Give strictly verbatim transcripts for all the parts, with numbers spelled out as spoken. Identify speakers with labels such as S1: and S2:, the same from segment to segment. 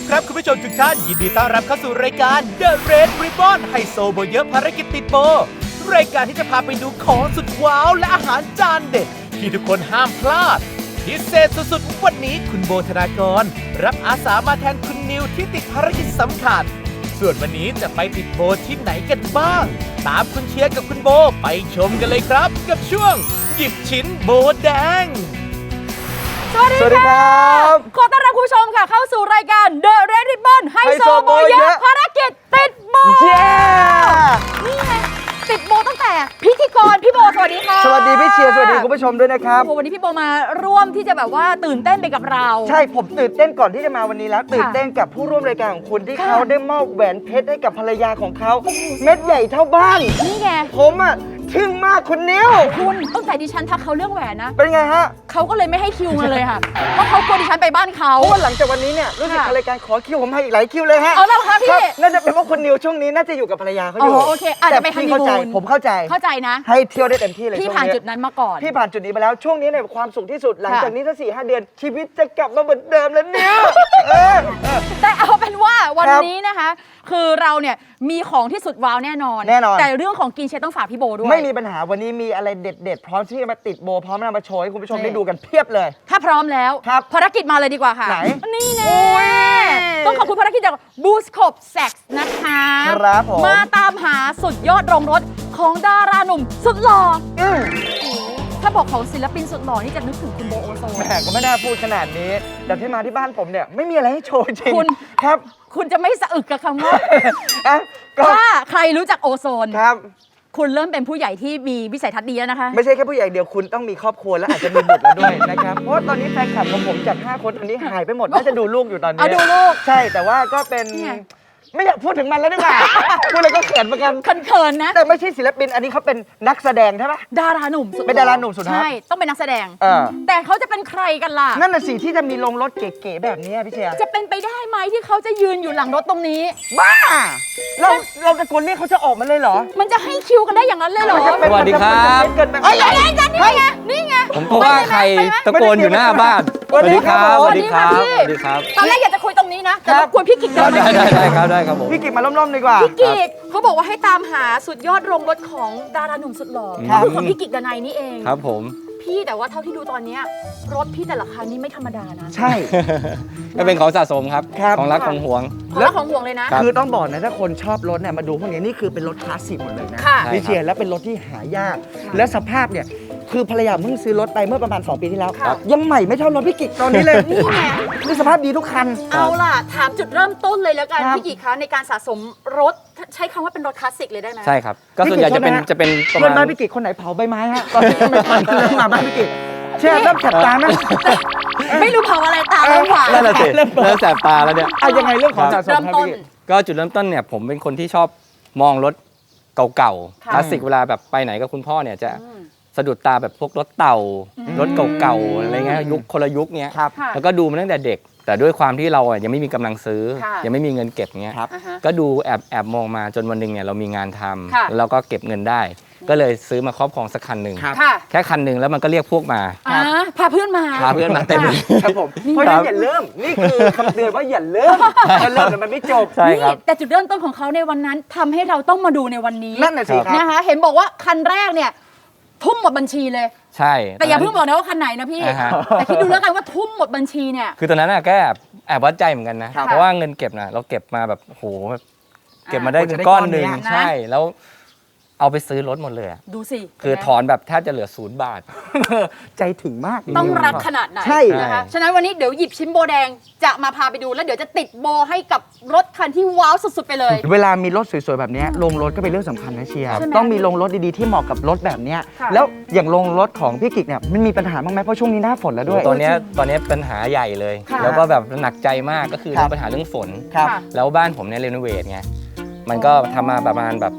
S1: ครับคุณผู้ชมทุกท่านยินดีต้อนรับเข้าสู่รายการ The Red Ribbon ไฮโซโบเยอะภารกิจติดโบรายการที่จะพาไปดูของสุดว้าวและอาหารจานเด็ดที่ทุกคนห้ามพลาดพิเศษสุดๆวันนี้คุณโบธนากรรับอาสามาแทนคุณนิวที่ติดภารกิจสำคัญส่วนวันนี้จะไปติดโบที่ไหนกันบ้างตามคุณเชียร์กับคุณโบไปชมกันเลยครับกับช่วงหยิบชิ้นโบแดง
S2: สวัสดีครับขอต้อนรับคุณผู้ชมค่ะเข้าสู่รายการ The Red Ribbon ไฮโซโบเยอะภารกิจติดโบนี่ไงติดโบตั้งแต่พิธีกรพี่โบสวัสดีค่ะ
S3: สวัสดีพี่เชียร์สวัสดีคุณผู้ชมด้วยนะครับ
S2: วันนี้พี่โบมาร่วมที่จะแบบว่าตื่นเต้นไปกับเรา
S3: ใช่ผมตื่นเต้นก่อนที่จะมาวันนี้แล้วตื่นเต้นกับผู้ร่วมรายการของคุณที่เขาได้มอบแหวนเพชรให้กับภรรยาของเขาเม็ดใหญ่เท่าบ้าน
S2: นี่ไง
S3: ผมอ่ะทึ่งมากคุณนิ้ว
S2: คุณตั้งแต่ดิฉันทักเขาเรื่องแหวนนะ
S3: เป็นไงฮะ
S2: เขาก็เลยไม่ให้คิวมาเลยค่ะเพราะเขากลัวดิฉันไปบ้านเขา
S3: เพราะว่าหลังจากวันนี้เนี่ยรู้สึกรายการขอคิวผมให้อีกหลายคิวเลยฮะ
S2: เอาแล้วค่ะพี่
S3: น่าจะเป็นเพราะคุณนิวช่วงนี้น่าจะอยู่กับภรรยาเขาอยู่
S2: โอเคอาจจะไปฮันนีมูน
S3: ผมเข้าใจ
S2: เข้าใจนะ
S3: ให้เที่ยวได้เต็มที่เลย
S2: พี่ผ่านจุดนั้นมาก่อน
S3: พี่ผ่านจุดนี้มาแล้วช่วงนี้เนี่ยความสุขที่สุดหลังจากนี้ถ้าสี่ห้าเดือนชีวิตจะกลับมาเหมือนเดิมแล้วเนี่ย
S2: แต่เอาเป็นว่าวันนี้นะคะคือเราเนี่ยมีของที่สุดว้าวแน่นอน
S3: แน่นอน
S2: แต่เรื่องของกินเชฟต้องฝากพี่โบด้วย
S3: ไม่มีปัญหาวันนี้มีอะไรเด็ดๆพร้อมที่จะมาติดโบพร้อมนำมาโชว์ให้คุณผู้ชมได้ดูกันเพียบเลย
S2: ถ้าพร้อมแล้วภารกิจมาเลยดีกว่าค่ะ
S3: ไหน
S2: นี่แน่ต้องขอบคุณภารกิจจากบูสโคปแซ็กซ์นะคะ
S3: ครับผม
S2: มาตามหาสุดยอดโรงรถของดาราหนุ่มสุดหล่อถ้าบอกของศิลปินสุดหล่อนี่จะนึกถึงคุณโบโอโซน
S3: แหมก็ไม่น่าพูดขนาดนี้แต่ที่มาที่บ้านผมเนี่ยไม่มีอะไรให้โชว์จริง
S2: คุณ
S3: ครับ
S2: คุณจะไม่สะอึกกับคำว่าถ้าใครรู้จักโอโซน
S3: ครับ
S2: คุณเริ่มเป็นผู้ใหญ่ที่มีวิสัยทัศน์ดีแล้วนะคะ
S3: ไม่ใช่แค่ผู้ใหญ่เดียวคุณต้องมีครอบครัวและอาจจะมีบุตรแล้วด้วยนะครับเพราะตอนนี้แฟนคลับของผมจากห้าคนตอนนี้หายไปหมดน่าจะดูลูกอยู่ตอนนี้
S2: ดูลูก
S3: ใช่แต่ว่าก็เป็นไม่อยากพูดถึงมันแล้วดีกว่าพูดเลยก็เขินเหมือนกัน
S2: เขินๆนะ
S3: แต่ไม่ใช่ศิลปินอันนี้เขาเป็นนักแสดงใช่ไหม
S2: ดาราหนุ่มสุด
S3: เป็นดาราหนุ่มสุด
S2: ใช่ต้องเป็นนักแสดงแต่เขาจะเป็นใครกันล่ะ
S3: นั่นน่ะสิที่จะมีลงรถเก๋ๆแบบนี้พี่เชียร์
S2: จะเป็นไปได้ไหมที่เขาจะยืนอยู่หลังรถตรงนี้
S3: บ้าเราเราตะโกนเรียกเขาจะออกมาเลยเหรอ
S2: มันจะให้คิวกันได้อย่างนั้นเลยเหรอ
S4: สวัสดีครับ
S2: เฮ้ยยังไงกันนี่ไงนี่ไง
S4: ผมก็ว่าใครตะโกนอยู่หน้าบ้านสวัสดีครับสวัสดีครับสวัสดีครับ
S2: ตอนแรกอยากจะคุยตรงนี้นะแต่รบกวนพี่กิกได้ไหม
S4: ได้ได้ครับได้ครับผม
S3: พี่กิกมาล้มๆดีกว่า
S2: พี่กิกเขาบอกว่าให้ตามหาสุดยอดโรงรถของดาราหนุ่มสุดหล่อคือของพี่กิกดนัยนี่เอง
S4: ครับผม
S2: พี่แต่ว่าเท่าที่ดูตอนนี้รถพี่แต่ละคันนี่ไม่ธรรมดานะ
S3: ใช่
S4: ก็เป็นของสะสมครับของรักของห่วง
S2: ของรักของห่วงเลยนะ
S3: คือต้องบอกนะถ้าคนชอบรถเนี่ยมาดูพวกนี้นี่คือเป็นรถคลาสสิกหมดเลยนะพี่เชียร์แล้วเป็นรถที่หายากและสภาพเนี่ยคือภรรยาเพิ่งซื้อรถไปเมื่อประมาณสองปีที่แล้วยังใหม่ไม่เท่ารถพี่กิกตอนนี้เลย
S2: นี่ไง
S3: คือสภาพดีทุกคัน
S2: เอาล่ะถามจุดเริ่มต้นเลยแล้วกันพี่กิกคะในการสะสมรถใช้คำว่าเป็นรถคลาสสิกเลยได้ไหม
S4: ใช่ครับก็ส่วนใหญ่จะเป็นจะเป็น
S3: ประมาณบ้านพี่กิกคนไหนเผาใบไม้ฮะตอนที่ไม่ทันเริ่มมาบ้านพี่กิกเชื่อเริ่มแสบตาไหม
S2: ไม่รู้เผาอะไรตาเริ่มหวาน
S4: นั่นแหละสิเริ่มแสบตาแล้วเนี่ย
S3: อะยังไงเรื่องของสะสมครับพี่
S4: ก็จุดเริ่มต้นเนี่ยผมเป็นคนที่ชอบมองรถเก่าๆคลาสสิกเวลาแบบไปไหนกับคุณพ่อเนี่ยจะสะดุดตาแบบพวกรถเต่ารถเก่าๆอะไรเงี้ยยุคคนละยุคเนี้ยแล้วก็ดูมาตั้งแต่เด็กแต่ด้วยความที่เราอ่ะยังไม่มีกำลังซื้อยังไม่มีเงินเก็บเงี้ยก็ดูแอบแอบมองมาจนวันหนึ่งเนี่ยเรามีงานทำแล้วเราก็เก็บเงินได้ก็เลยซื้อมาครอบครองสักคันหนึ่งแค่คันหนึ่งแล้วมันก็เรียกพวกมา
S2: พาเพื่อนมา
S4: พาเพื่อนมาเต็มเลย
S3: ครับผมเพราะฉะนั้นอย่าเริ่มนี่คือคำเตือนว่าอย่าเริ่มถ้าเริ่มมันไม่จบ
S4: ใช่ครับ
S2: แต่จุดเริ่มต้นของเขาในวันนั้นทำให้เราต้องมาดูในวันนี้
S3: นั่นน่ะสิครับ
S2: นะคะเห็นบอกว่าคันแรกเนี่ยทุ่มหมดบัญชีเลย
S4: ใช่
S2: แต่อย่าเพิ่งบอกนะว่าคันไหนนะพี่แต่คิดดูแล้วกันว่าทุ่มหมดบัญชีเนี่ย
S4: คือตอนนั้นอะแค่แอบวัดใจเหมือนกันนะเพราะว่าเงินเก็บนะเราเก็บมาแบบโหเก็บมาได้ก้อนหนึ่งใช่แล้วเอาไปซื้อรถหมดเลย
S2: ดูสิ
S4: คือถอนแบบแทบจะเหลือศูนย์บาท
S3: ใจถึงมาก
S2: ต้องรักขนาดไหน
S3: ใช่
S2: นะคะฉะนั้นวันนี้เดี๋ยวหยิบชิ้นโบแดงจะมาพาไปดูแล้วเดี๋ยวจะติดโบให้กับรถคันที่ว้าวสุดๆไปเลย
S3: เวลามีรถสวยๆแบบนี้ลงรถก็เป็นเรื่องสำคัญนะเชียร์ต้องมีลงรถดีๆที่เหมาะกับรถแบบนี้แล้วอย่างลงรถของพี่กิกเนี่ยมันมีปัญหาบ้างไหมเพราะช่วงนี้หน้าฝนแล้วด้วย
S4: ตอนนี้ตอนนี้ปัญหาใหญ่เลยแล้วก็แบบหนักใจมากก็คือปัญหาเรื่องฝนแล้วบ้านผมเนี่ยรีโนเวทไงมันก็ทำมาประมาณแบบ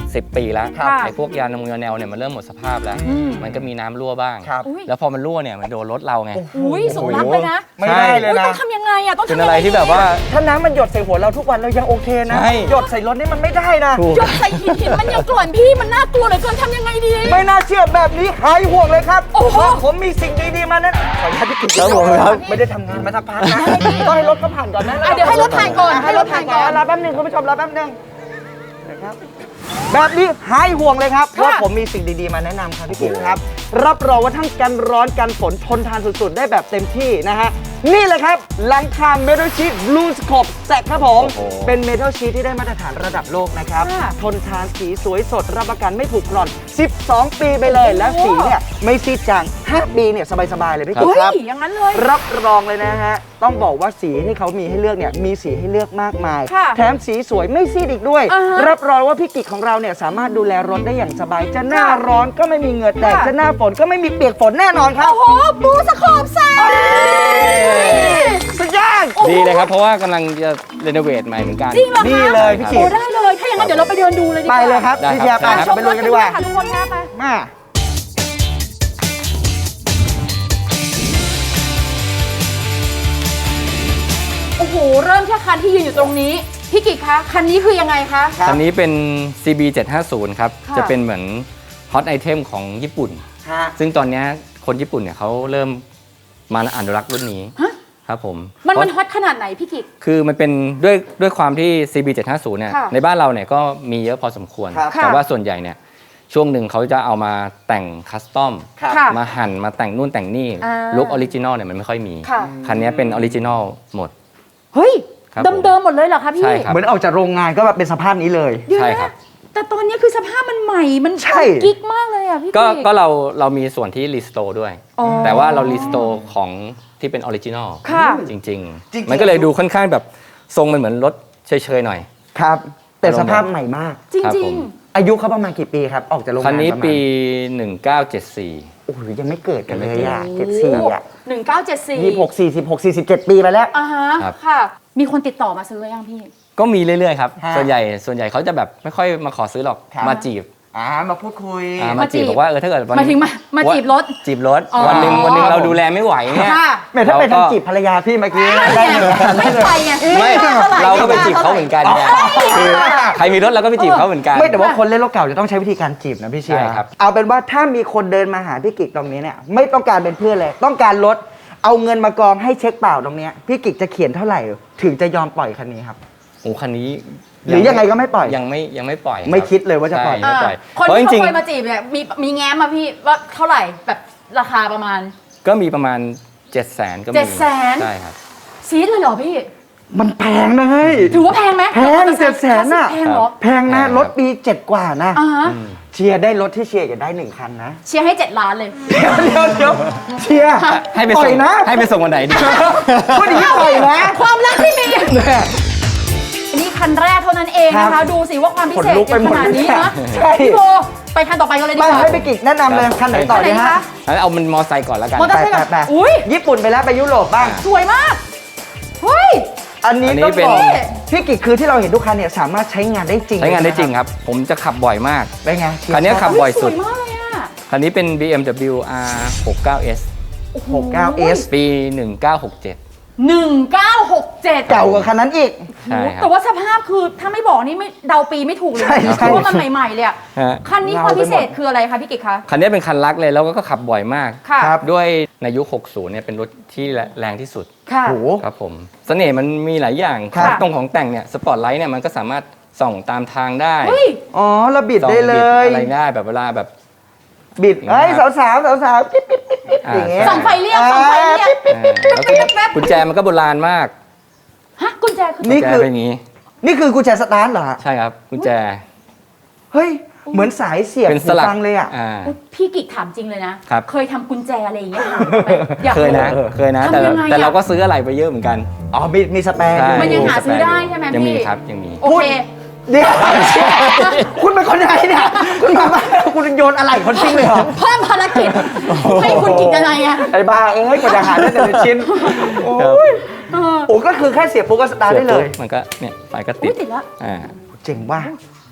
S4: สิบปีแล้ว
S2: ครับ
S4: ไอ้พวกยานมยาแนวเนี่ยมันเริ่มหมดสภาพแล้ว
S2: อืม
S4: มันก็มีน้ำรั่วบ้าง
S3: ครับ
S2: อุ๊ย
S4: แล้วพอมันรั่วเนี่ยมันโดนรถเราไง
S2: อุ้ยสุนัขเลยนะ
S3: ไม่ได้เลย
S2: อุ้ย
S3: นะ
S2: ต้องทำยังไงอะต้อง
S4: เป็น
S2: ทำยั
S4: อะ
S2: ง
S4: ไร
S2: ไง
S4: ที่แบบว่า
S3: ถ้าน้ำมันหยดใส่หัวเราทุกวันเรายังโอเคนะ
S4: ใช่
S3: หยดใส่รถนี่มันไม่ได้นะ
S4: ถูก
S2: หยดใส่หินหินมันยังกล่อนพี่มันน่ากลัวเหลือเกินทำยังไงดี
S3: ไม่น่าเชื่อแบบนี้หายห่วงเลยครับ
S2: โอ้โห
S3: เพราะผมมีสิ่งดีๆมาแนะนำขออนุญาตพี่กิ๊ก
S4: ครับผมครับ
S3: ไม่ได้ทำงานมาสักพักนะต้องให้รถเขาผ่านก่อนนะ
S2: อ่ะเดี๋ยวให้รถผ่านก่อนให้รถผ่านก่อน
S3: รอแป๊บหนึงคุณผู้ชมรอแป๊บหนึงนะครับแบบนี้หายห่วงเลยครับ
S2: ค่ะ
S3: ว่าผมมีสิ่งดีๆมาแนะนำครับพี่กิ๊กครับ รับรองว่าทั้งกันร้อนกันฝนทนทานสุดๆ ได้แบบเต็มที่นะฮะนี่เลยครับหลังคาเมทัลชีทบลูสโคปแซกครับผม
S4: โอ้โห
S3: เป็นเมทัลชีทที่ได้มาตรฐานระดับโลกนะครับ
S2: ค่ะ
S3: ทนทานสีสวยสดรับประกันไม่ผุกร่อน สิบสอง ปีไปเลย และสีเนี่ยไม่ซีดจางห้าปีเนี่ยสบายๆเลยพี่กิ๊
S2: เฮ้
S3: ก
S2: ย
S3: ครับ
S2: อย่างนั้นเลย
S3: รับรองเลยนะฮะ ต้องบอกว่าสีที่เขามีให้เลือกเนี่ย มีสีให้เลือกมากมาย
S2: ค่ะ
S3: แถมสีสวยไม่ซีดอีกด้วย
S2: อ่าฮะ
S3: รับรองว่าพี่กิกของเราเนี่ยสามารถดูแลรถได้อย่างสบาย จะหน้า
S2: ค่ะ
S3: ร้อนก็ไม่มีเหงื่อแตก
S2: ค่ะ
S3: จะหน้าฝนก็ไม่มีเปียกฝนแน่นอนครับ
S2: โอ้โหบูสโคปแซก
S3: สุดยอด
S4: ดีเลยครับ เพราะว่ากำลังจะเรโนเวทใหม่เหมือนกัน
S2: จริงเหรอคะ
S3: นี่เลยพี่กิ๊ก
S2: โอ้ได้เลย ถ้าอย่างนั้นเดี๋ยวเราไปเดินดูเลยดีก
S3: ไป
S2: ว่า
S3: เลยครับ
S4: ได้
S3: พี่เชียร์
S4: ครับ
S3: ไป
S2: ชม
S3: ไป
S2: ร
S3: ลุ
S2: ถ
S3: ย
S2: กั
S3: กัน น
S2: ดี
S3: ดี
S2: ก
S3: ก
S2: ว่า
S3: ว่า
S2: ค่ะทุกคนค่ะไป
S3: มา
S2: โอ้โห เริ่มแค่คันที่ยืนอยู่ตรงนี้ พี่กิกคะ คันนี้คือยังไงคะ
S3: ครับ
S4: คันนี้เป็น ซี บี เจ็ดห้าศูนย์ ครับ
S2: ค่ะ
S4: จะเป็นเหมือนฮอตไอเทมของญี่ปุ่น
S3: ฮะ
S4: ซึ่งตอนเนี้ยคนญี่ปุ่นเนี่ยเขาเริ่มมาอนุรักษ์รุ่นนี้
S2: ฮะ
S4: ครับผม
S2: มัน
S4: เพ
S2: มัน
S4: ราะ
S2: ฮอตขนาดไหนพี่กิก
S4: คือมันเป็นด้วยด้วยความที่ ซี บี เจ็ดห้าศูนย์ เนี่ย
S2: ค่ะ
S4: ในบ้านเราเนี่ยก็มีเยอะพอสมควร
S3: ครับ
S4: แต่ว่าส่วนใหญ่เนี่ยช่วงหนึ่งเขาจะเอามาแต่งคัสตอม
S3: ครับ
S2: ค่ะ
S4: มาหั่นมาแต่งนู่นแต่งนี่
S2: อ่า
S4: ลุคออริจินอลเนี่ยมันไม่ค่อยมี
S2: ค่ะ
S4: คันนี้เป็นออริจินอลหมด
S2: เฮ้ย
S4: ครับ
S2: เดิมๆหมดเลยเหรอคะพี่
S4: ใช่ครับ
S3: เหมือนออกจากโรงงานก็แบบเป็นสภาพนี้เลย
S2: เดี๋ยว
S4: ใช่
S2: นะครับ แต่ตอนนี้คือสภาพมันใหม่ มัน
S3: ใช่
S2: กิ๊กมากเลยอ่ะพี่
S4: ก็
S2: กิ๊ก
S4: ก็เราเรามีส่วนที่รีสโตร์ด้วย
S2: อ๋อ
S4: แต่ว่าเรารีสโตร์ของที่เป็นออริจินอล
S2: ค่ะ
S4: จริง
S3: จริง
S4: ๆ
S3: ๆ
S4: มันก็เลยดูค่อนข้างแบบทรงมันเหมือนรถเฉยๆหน่อย
S3: ครับ แต่สภาพใหม่มาก
S2: จริง
S4: ครับ
S2: จริ
S4: ผ
S2: ง
S4: ม
S3: อายุเขาประมาณกี่ปีครับ ออกจากโรงงาน
S4: คันนี้
S3: ระมาณ
S4: ปี หนึ่งเก้าเจ็ดสี่
S3: โอ้โหยังไม่เกิดกันเลยอ่ะ
S2: โอ้
S3: เจ็ดสี่อ่ะ
S2: หนึ่งเก้าเจ็ดสี่
S3: ยี่หกสี่สิบหกสี่สิบเจ็ดปีไปแล้ว
S2: อ่าฮะ
S4: ครับ
S2: ค่ะ มีคนติดต่อมาซื้อหรือยังพี่
S4: ก็มีเรื่อยๆครับ
S3: ฮะ
S4: ส่วนใหญ่ส่วนใหญ่เขาจะแบบไม่ค่อยมาขอซื้อหรอก
S3: ครับ
S4: มาจีบ
S3: อ่ามาพูดคุย
S4: อ่า
S2: มา
S4: มา
S2: จี
S4: จี
S2: บบ
S4: บอกว่าเออถ้าเกิดวัน
S2: หมายถึงมามาจีบรถ
S4: จีบรถ
S2: อ๋อ
S4: วันหนึ่งวันหนึ่งเราดูแลไม่ไหวเนี่ย
S2: ค่ะ
S3: แม่ถ้าไป
S4: เราก็
S3: ทำจีบภรรยาพี่เมื่อกี้
S2: ไม่
S3: ได้
S2: ไง
S3: เลย
S2: ไม่ไปไง
S4: ไม่
S2: ท่ห
S4: เราก็ไปจีบเขาเหมือนกันไงคือใครมีรถเราก็ไปจีบเขาเหมือนกัน
S3: ไม่แต่ว่าคนเล่นรถเก่าจะต้องใช้วิธีการจีบนะพี่เชียร์
S4: ใช่ครับ
S3: เอาเป็นว่าถ้ามีคนเดินมาหาพี่กิกตรงนี้เนี่ยไม่ต้องการเป็นเพื่อนเลย ต้องการรถเอาเงินมากองให้เช็คเปล่าตรงเนี้ยพี่กิกจะเขียนเท่าไหร่ ถึงจะยอมปล่อยคันนี้ครับ
S4: โอ้คันนี้
S3: หรือยังไงก็ไม่ปล่อย
S4: ยังไม่ยังไม่ปล่อยรับ
S3: ไม่คิดเลยว่าจะปล่อย
S4: ใช่ไม่ปล่อย
S2: คน
S4: เพราะจ
S2: ที่
S4: ริง
S2: เขาเคยมาจีบเนี่ยมีมีแง้มมาพี่ว่าเท่าไหร่แบบราคาประมาณ
S4: ๆก็มีประมาณเจ็ดแสนก็มี
S2: เจ็ดแสน
S4: ใช่ครับ
S2: ซีดเลยเหรอพี่
S3: มันแพงนะเฮ้ย
S2: ถือว่าแพงไหม
S3: แพงเจ็ดแสนน่ะ
S2: แพงเหรอ
S3: แพงนะรถปีเจ็ดกว่านะ
S2: อ่าฮะ
S3: เชียร์ได้รถที่เชียร์อยากได้หนึ่งคันนะ
S2: เชียร์ให้เจ็ดล้านเลย
S3: เดี๋ยวเดี๋ยวเดี๋ยวเชียร์
S4: ให้ไป
S3: ปล่
S4: ส่
S3: อย
S4: ง
S3: นะ
S4: ให้ไปส่งวันไหนดี
S3: พูดอย่างนี้ปล่อยนะ
S2: ความรักที่มีอันนี้คันแรกเท่านั้นเองนะ
S3: ครั
S2: คะ
S3: บ
S2: ดูสิว่าความพิเศษ
S3: ขนลุกไปหมด
S2: ขนาดนี้นะ
S3: ใช่
S2: พี่โบไปคันต่อไปกันเลยดี
S3: มาก
S2: ว่า
S3: ให้ไปกิกแนะนำเลยคันไหนต่อ
S2: คันไหน
S3: ดี
S2: ดี
S3: ฮะ
S2: คะ
S4: งั้นเอามันมอไซค์ก่อนแล้วกัน
S2: มอเตอร์
S3: ไป
S2: ไซค์
S3: ไป
S2: แบบ
S3: ไป
S2: อุ้ย
S3: ญี่ปุ่นไปแล้วไปยุโรปบ้าง
S2: สวยมากเฮ้ย
S3: อันนี้
S4: อันนี้
S3: ต้อง
S4: เป็น
S3: บอกพี่กิกคือที่เราเห็นทุกคันเนี่ยสามารถใช้งานได้จริง
S4: ใช้งานได้จริง
S3: เลย
S4: ครับ ผมจะขับบ่อยมาก
S3: เป็นไง
S4: คันนี้ขับ บ่อยสุด
S2: สวยมากเลยอ่ะ
S4: คันนี้เป็น บี เอ็ม ดับเบิลยู อาร์ หกสิบเก้า เอส
S3: หกเก้าเอส
S4: ปี หนึ่งเก้าหกเจ็ด
S2: หนึ่งเก้าหกเจ็ด
S3: เก่ากว่าคันนั้นอีก
S4: ใช่ครับ
S2: แต่ว่าสภาพคือถ้าไม่บอกนี่ไม่เดาปีไม่ถูกเลย
S3: ใช่ใช่
S2: เพราะว่ามันใหม่ๆเลยอะ
S4: ฮะ
S2: คันนี้
S3: เงา
S2: ความพิเศษ
S3: ไปหมด
S2: คืออะไรคะพี่กิกคะ
S4: คันนี้เป็นคันรักเลยแล้วก็ขับบ่อยมาก
S2: ค่ะ
S3: ครับ
S4: ด้วยในยุค หกสิบ เนี่ยเป็นรถที่แรงที่สุด
S2: ค่ะ
S3: โอ้โห
S4: ครับผม เสน่ห์มันมีหลายอย่าง
S3: ครับ
S4: ตรงของแต่งเนี่ย สปอตไลท์เนี่ยมันก็สามารถส่องตามทางได้
S2: เฮ้ย
S3: อ๋อเราบิด
S4: ส่อง
S3: ได้เล
S4: บิ
S3: ย
S4: อะไรได้แบบเวลาแบบ
S3: บิด
S4: อย่างเงี้
S3: เอ้ย
S4: ย
S3: สาวสาวสาวสาวๆปิ๊บปิ๊บปิ๊บปิ๊บ
S4: อ่า
S3: อย่างเงี้ย
S2: ส่องไฟเรียกส่องไฟเรียก
S3: ปิ๊บปิ๊บ
S4: เออแล้วก็กุญแจมันก็โบราณมาก
S2: ฮะกุญแจคือ
S3: นี่
S4: กุญแจ
S3: คือ
S4: เป็นอย่างนี้
S3: นี่คือกุญแจสตาร์ทเหรอฮะ
S4: ใช่ครับกุญแจ
S3: เฮ้ย เหมือนสายเสียบ
S4: เป็น
S3: หู
S4: สลัก
S3: ฟังเลยอ่ะ
S4: อ่า
S2: อุ๊ยพี่กิกถามจริงเลยนะ
S4: ครับ
S2: เคยทำกุญแจอะไรอย่างเงี้ยหายไปอยาก
S4: เคยนะ
S2: รู้
S4: เคยนะ
S2: ทำ
S4: แต่
S2: ยังไงอะ
S4: แต่เราก็ซื้ออะไรไปเยอะเหมือนกัน
S3: อ๋อ มีมีสแปร์
S4: ใช่
S2: มันยังหา
S4: สแป
S2: ซื้อได้ใช่ไหม
S4: ยังมี
S2: พี่
S4: ครับยังมี
S2: โอเค
S3: เดี๋ยวคุณเป็นคนไหนเนี่ย คุณมาบ้านคุณโยนอะไรคนทิ้งเลยเหรอ
S2: เพิ่มภารกิจให้คุณกิกยังไงอะ
S3: ไอ้บ้าเอ้ยกว่าจะหาได้แต่ละชิ้น โอ้ย
S2: เออ
S3: โอ้ก็คือแค่เสียบปุ๊บก็สตาร์ทได้เลย
S4: สีบปุ๊บมันก็เนี่ยไฟก็ติ
S2: อุ๊
S4: ด
S2: ยติดแล้ว
S4: อ่า
S3: เจ๋งว่ะ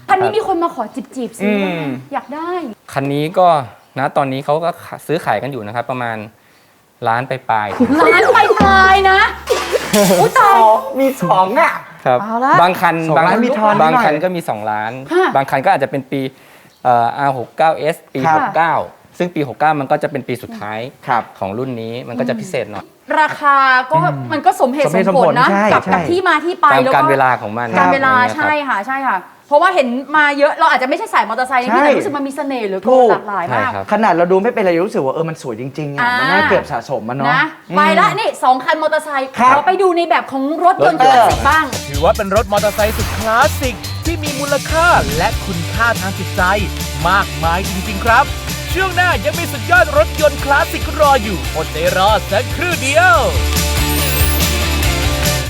S2: คันนี้มีคนมาขอจีบจีบๆซื้ออ
S3: ม
S2: อยากได้
S4: คันนี้ก็นะตอนนี้เขาก็ซื้อขายกันอยู่นะครับ ประมาณล้านไปปลาย
S2: ร้านไปปลายๆนะอุ้ยตาย
S3: มีสองอ่ะ
S4: ครับ
S2: เอาละ
S4: บางคัน
S3: สอง
S4: บาง
S3: ล้านมีทอน
S4: บาง
S3: นิดหน่อย
S4: คันก็มี สอง ล้าน
S2: ฮะ
S4: บางคันก็อาจจะเป็นปีเอ่อ อาร์ หกสิบเก้า เอส ปี
S3: ครับ
S4: หกสิบเก้า ซึ่งปี หกสิบเก้า มันก็จะเป็นปีสุดท้าย
S3: ครับ
S4: ของรุ่นนี้มันก็จะพิเศษหน่อย
S2: ราคาก็มันก็สมเหตุ
S3: ส
S2: ส
S3: มเห
S2: ม
S3: ตุสม
S2: ผ
S3: ผ
S2: ล
S3: ล
S2: นะ
S3: ใช่
S2: กับ
S3: ใช่
S2: กับที่มาที่ไป
S4: ตาม
S2: แล้ว
S4: การ
S2: ก็
S4: เวลาของมัน
S2: การเวลา
S4: อะไร
S2: ใช่
S4: เงี้ยครับ
S2: ค่ะใช่ค่ะ เพราะว่าเห็นมาเยอะเราอาจจะไม่ใช่สายมอเตอร์ไซค์นะพี่
S3: ใช่
S2: แต่รู้สึกมันมีเสน่ห์เหลือ
S3: ถู
S2: เกิน
S3: ก
S2: หลากหลายมาก
S4: ใช่ครับ
S3: ขนาดเราดูไม่เป็นไรรู้สึกว่าเออมันสวยจริงๆอ่ะ
S2: อ่ามั
S3: มันน่าเก็บสะสมมันเนาะ
S2: นะไปละนี่สองคันมอเตอร์ไซค์
S3: ครับ
S2: เราไปดูในแบบของรถยนต์
S4: รถยนต์
S2: คลาสสิกบ้าง
S1: ถือว่าเป็นรถมอเตอร์ไซค์สุดคลาสสิกที่มีมูลค่าและคุณค่าทางจิตใจมากมายจริงๆครับ ช่วงหน้ายังมีสุดยอดรถยนต์คลาสสิกรออยู่อดใจรอสักครู่เดียว